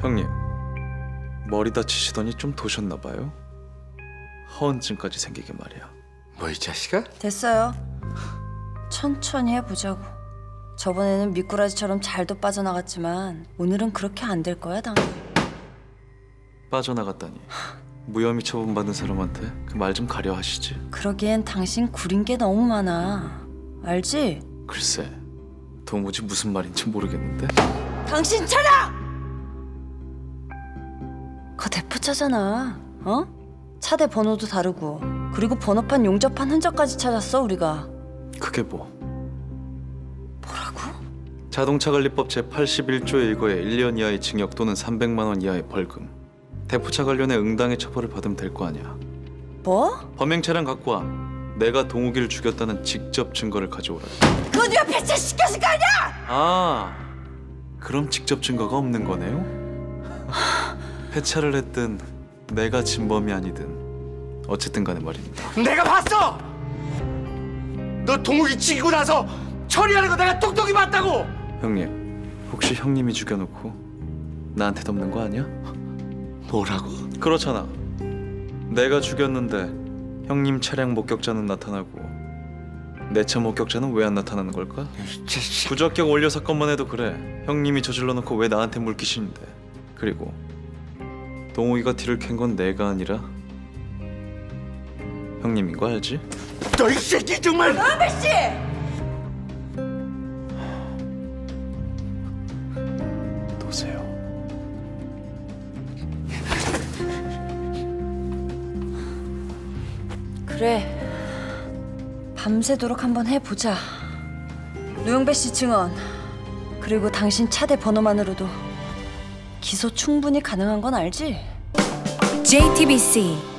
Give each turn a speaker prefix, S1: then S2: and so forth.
S1: 형님, 머리 다치시더니 좀 도셨나 봐요. 허언증까지 생기게 말이야.
S2: 뭐 이 자식아?
S3: 됐어요. 천천히 해보자고. 저번에는 미꾸라지처럼 잘도 빠져나갔지만 오늘은 그렇게 안 될 거야, 당.
S1: 빠져나갔다니. 무혐의 처분받은 사람한테 그 말 좀 가려 하시지.
S3: 그러기엔 당신 구린 게 너무 많아. 알지?
S1: 글쎄, 도무지 무슨 말인지 모르겠는데.
S3: 당신 차량! 그거 대포차잖아. 어? 차대 번호도 다르고 그리고 번호판 용접한 흔적까지 찾았어 우리가.
S1: 그게 뭐?
S3: 뭐라고?
S1: 자동차관리법 제81조의 1거에 1년 이하의 징역 또는 300만 원 이하의 벌금. 대포차 관련해 응당의 처벌을 받으면 될 거 아니야.
S3: 뭐?
S1: 범행 차량 갖고 와. 내가 동욱이를 죽였다는 직접 증거를 가져오라.
S3: 그거 네가 배차시켰을 거 아니야!
S1: 아, 그럼 직접 증거가 없는 거네요? 폐차를 했든 내가 진범이 아니든 어쨌든 간에 말입니다.
S2: 내가 봤어! 너 동욱이 죽이고 나서 처리하는 거 내가 똑똑히 봤다고!
S1: 형님, 혹시 형님이 죽여놓고 나한테 덮는 거 아니야?
S2: 뭐라고?
S1: 그렇잖아. 내가 죽였는데 형님 차량 목격자는 나타나고 내 차 목격자는 왜 안 나타나는 걸까?
S2: 이 자식.
S1: 부적격 원료 사건만 해도 그래. 형님이 저질러 놓고 왜 나한테 물기시는데. 그리고 동욱이가 뒤를 캔 건 내가 아니라 형님인 거 알지?
S2: 너 이 새끼 정말!
S3: 은배 씨!
S1: 도세요.
S3: 그래. 밤새도록 한번 해보자. 노영배 씨 증언 그리고 당신 차대 번호만으로도 기소 충분히 가능한 건 알지?
S4: JTBC